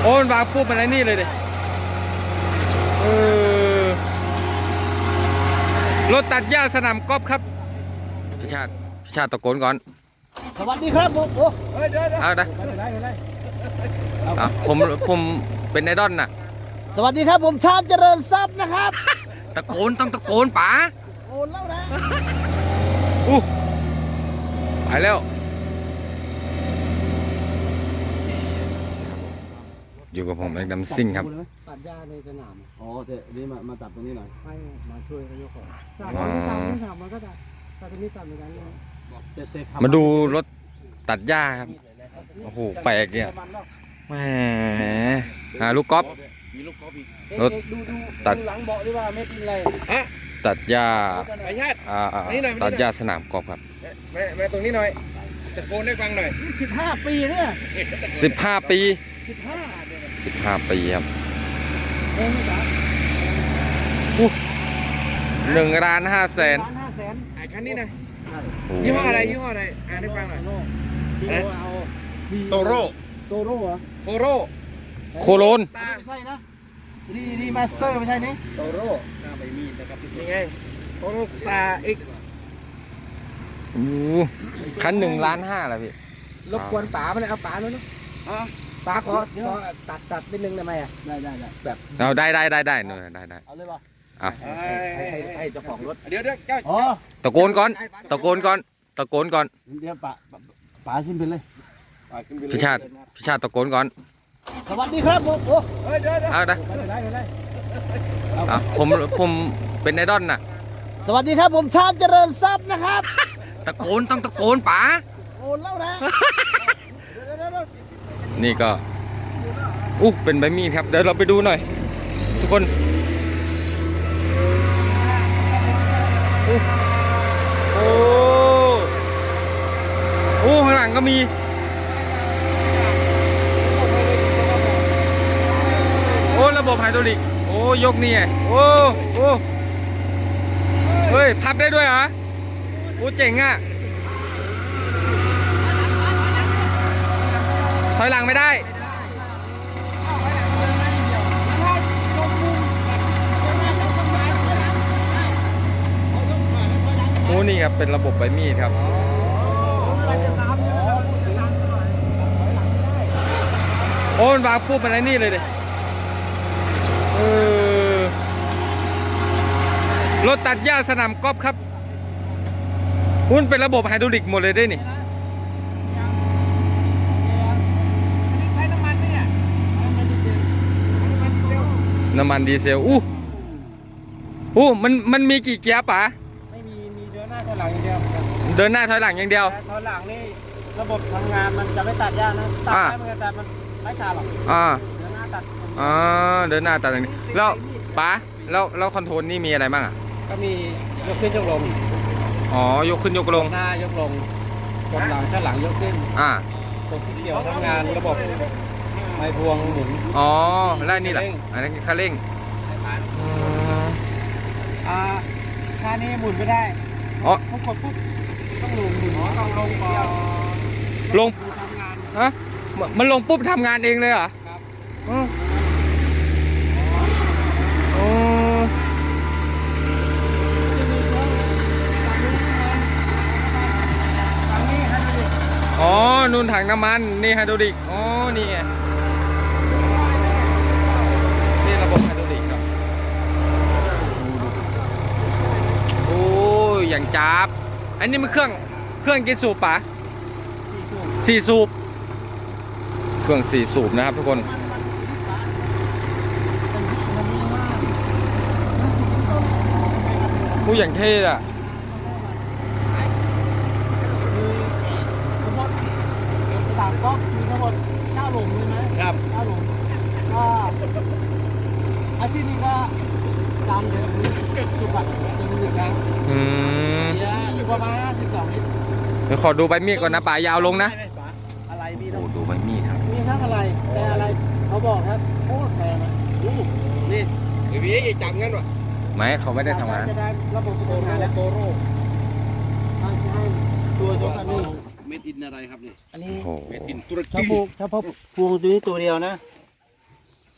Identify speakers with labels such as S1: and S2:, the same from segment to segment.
S1: โอ้มันวางปุ๊บมันไอ้นี่เลยดิรถตัดหญ้าสนามกอล์ฟครับพี่ชาติตะโกนก่อน
S2: สวัสดีครับผมโอ้เดี๋ยว
S1: เอาได้ผมเป็นไอดอลน่ะ
S2: สวัสดีครับผมชาติเจริญทรัพย์นะครับ
S1: ตะโกนต้องตะโกนป๋า
S2: โอนแล้วนะ
S1: ไปแล้วอยู่กับผมแม็กดัมซิ่งครับ
S2: ตัดหญ้าในสนามอ๋อเดี๋ยวนี้มาตัดตรงนี้หน่อยให้มาช่วยเขายกของตัดนี่ทำมันก็ตัดตรงนี้ตัดเหมือนกันเลย
S1: มาดูรถตัดหญ้าครับโอ้โหแปลกเนี่ยแหมหาลูกกอล์ฟรถตัด
S2: หลังเบาะดีว่าไม่เป็นไร
S1: ตัดหญ้าตัดหญ้าสนามกอล์ฟครับ
S3: มาตรงนี้หน่อยตะโกนให้ฟังหน่อย
S2: 15 ปีเนี่ย
S1: 15 ปี15 ปีครับ1,500,000
S3: ไอ้คันนี้นะยี่ห้ออะไรอ่านให้ฟังหน่อยโตโร่
S2: เหรอ
S3: โคโร
S1: โคโลน
S2: ไม่ใช่นะรีมาสเตอร์ไม่ใช่นี่
S3: โตโร่หน้าใบมีดนะครับยังไงโตโร่สตาร์เอ็ก
S1: คัน1,500,000แล้วพี่
S3: รบกวนป๋าไปเลยเอาป๋าแล้วเนาะป๋าขอตัดนิดนึงได้ไหมอ่ะ
S2: ได้
S1: แบบเอาได้หนูได้
S2: เอาเลยป่ะ
S3: ให้เจ้าของรถเดี๋ยวเจ้า
S1: ตะโกนก่อนเดี๋ยว
S2: ป๋าขึ้นไปเลย
S1: พี่ชาติตะโกนก่อน
S2: สวัสดีครับผมโอ้
S3: เดี๋ยว
S1: เอาได้ผมเป็นไอดอลน่ะ
S2: สวัสดีครับผมชาติเจริญทรัพย์นะครับ
S1: ตะโกนต้องตะโกนป๋า
S2: โอนแล้วนะ
S1: นี่ก็เป็นใบมีดครับเดี๋ยวเราไปดูหน่อยทุกคนข้างหลังก็มีระบบไฮดรอลิกยกนี่ไงเฮ้ยพับได้ด้วยเหรอเจ๋งอ่ะถอยหลังไม่ได้นี่ครับเป็นระบบใบมีดครับมันวางปุ๊บมันไอ้นี่เลยดิรถตัดหญ้าสนามกอล์ฟครับมันเป็นระบบไฮดรอลิกหมดเลยได้นี่
S3: ใช้น้ำมันเนี่ย
S1: น้ำมันดีเซลมันมีกี่เกียร์ป๋า
S3: ไม่มีเดินหน้าถอยหลังอย่างเดียว
S1: เดินหน้าถอยหลังอย่างเดียว
S3: ถอยหลังนี่ระบบทำงานมันจะไม่ตัดหญ้านะตัดได้เหมือนกันแต่มันไม่ขาดหรอกเดินหน้าตัด
S1: เดินหน้าตัดอย่างนี้แล้วป๋าแล้วคอนโทรลนี่มีอะไรบ้างอ่ะ
S3: ก็มียกขึ้นยกลง
S1: ยกขึ้นยกลง
S3: หน้ายกลงกดหลังข้างหลังยกขึ้นกดที่เกี่ยวทำงานระบบไม้พวงหมุน
S1: แล้วนี่แหละอันนี้คันเร่ง
S3: ค่านี้หมุนไม่ได้ต้องกดปุ๊บต้องลงหมุนต้องลงก่อน
S1: ลงทำงานมันลงปุ๊บทำงานเองเลยเหรอครับนู่นถังน้ำมันนี่ไฮดรอลิกนี่ไงนี่ระบบไฮดรอลิกครับอย่างจับอันนี้มันเครื่องกี่สูบปะ4 สูบเครื่อง4 สูบนะครับทุกคนอย่างเท่อะ
S2: ก็มีทั้งหมด9 หลุมใช่ไหม
S3: ครับ
S2: 9 หลุมก็อาชีพนี้ก็ตามเดิมสุบัติจะมีครั้งอยู่ประมาณ52 ลิตร
S1: เดี๋ยวขอดูใบมีดก่อนนะป่ายาวลงนะ
S2: อะไรมี
S1: ดูใบมีดครับ
S2: มีทั้งอะไรแต่อะไรเขาบอกครับโคตรแพง
S3: นี่พี่จับงั้นวะ
S1: ไม่เขาไม่ได้ทำงาน
S2: จะได้ระบบโตโร่ตัวคันนี้
S3: เม็ดอินอะไรครับนี่
S2: อันนี้
S3: เม็ดอินตุรกี
S2: ถ้าพวงตัวนี้ตัวเดียวนะ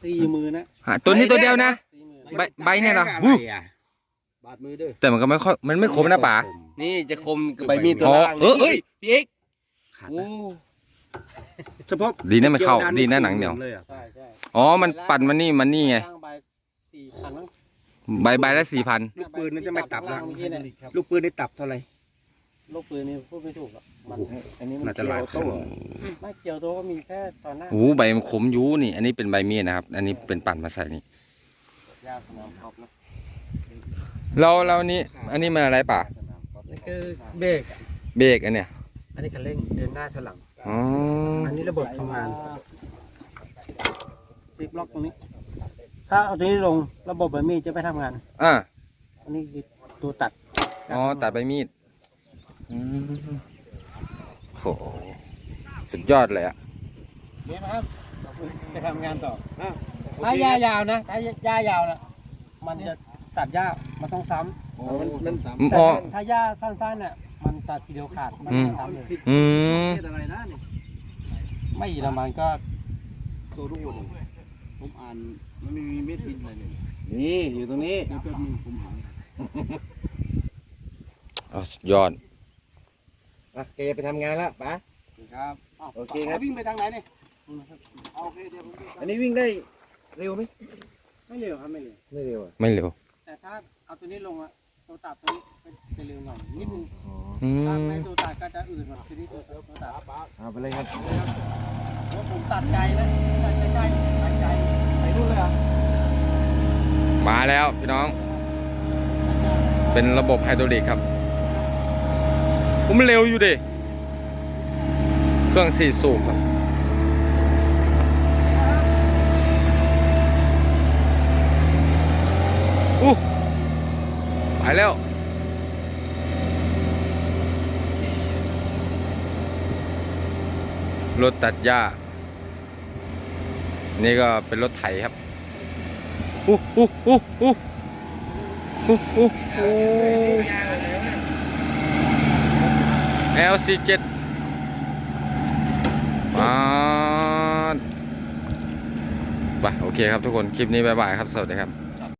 S3: 40,000นะ
S1: ตัวนี้ตัวเดียวนะ
S3: 40,000
S1: ใบเนี่ยเหรอ
S4: อะไรอ่ะ
S3: บาดมือด้วย
S1: แต่มันก็ไม่ค่อยมันไม่คมนะป๋า
S2: นี่จะคมกับใบมีดตัว
S1: อ๋อ
S2: ล่าง
S1: เอ้ย
S2: พี่เอก
S4: ขาด
S2: โอ้
S4: เฉพาะ
S1: ดีนะมันเข้าดีนะหนังเหนียว
S4: เลยอ่ะ
S3: ใช่ใช่
S1: อ๋อมันปั่นมันนี่ไง
S3: ล่างใบ4,000มั้ง
S1: ใบละ4,000
S4: ลูกปืนนั่นจะไม่ตับ
S3: ล่า
S4: ละ
S3: งเมื่อกี้เนี่ย
S4: ลูกปืนได้ตับเท่าไหร่
S3: ลูกปืนนี่พูดไม่ถูกหรอกมันอันนี้มัน
S4: น่าจะหลายพัน
S3: ไม่เกี่ยวตัวก็มีแค่ตอนหน้า
S1: โอ้โหใบมันขมอยูนี่ อันนี้เป็นใบมีดนะครับ อันนี้เป็นปั่นมาใส่นี่
S3: ยาสนามกอล์ฟนะ
S1: เรานี่อันนี้มันอะไรป่ะ
S3: นี่คือเบรก
S1: เบรกอันเนี้ย
S3: อันนี้คันเร่งเดินหน้าถอยหลัง
S1: อ๋อ
S3: อันนี้ระบบทำงานซิปล็อกตรงนี้ ถ้าเอาตัวนี้ลงระบบแบบนี้จะไม่ทำงาน
S1: อ่ะ
S3: อันนี้คือตัวตัด
S1: อ๋อตัดใบมีดอืมโหสุดยอดเลยอ่ะ
S3: นี่นะครับไปทำงานต่อถ้าหญ้ายาวนะถ้าหญ้ายาวนะมันจะตัดหญ้ามันต้องซ้ำ แต่
S1: อ๋อ
S3: ถ้าหญ้าสั้นๆเนี่ยมันตัดทีเดียวขาดมันไม่ซ้ำเลย
S1: อืม
S3: อะไรนะนี่ไม่ละมันก็ตัวรูดผมอ่านมันไม่มีเม็ดดินอะไรเลยนี่อยู่ตรงนี้แป๊บนึงผมหา
S1: อ๋อสุดยอด
S4: อ่ะแกไปทำงานแล้วป๋า
S3: ครับ
S4: โอเคครับ
S3: วิ่งไปทางไหนนี่โอเคเดี๋ยวผม
S4: อันนี้วิ่งได้เร็วไหม
S3: ไม่เร็วครับไม่เร็ว
S4: ไม่เร็วอ่ะ
S1: ไม่เร็ว
S3: แต่ถ้าเอาตัวนี้ลงอะตัวตัดตัวนี้จะเร็วหน่อยนิดนึง
S1: อื
S3: ถ้าม ไม่ตัวตัดก็จะอื่นกว่าตัวนี้ตัวตัด
S4: เอาไปเลยครับ
S3: เพราะผมตัดไกลนะตัดใกล้ๆตัดไกลไปนู่นเลยอ่ะ
S1: มาแล้วพี่น้อง เป็นระบบไฮดรอลิกครับผมนเร็วอยู่ดิเครื่อง4 สูบครับไปแล้ว รถตัดหญ้า นี่ก็เป็นรถไถครับLC7 ไปโอเคครับทุกคน คลิปนี้บ๊ายบายครับ สวัสดีครับ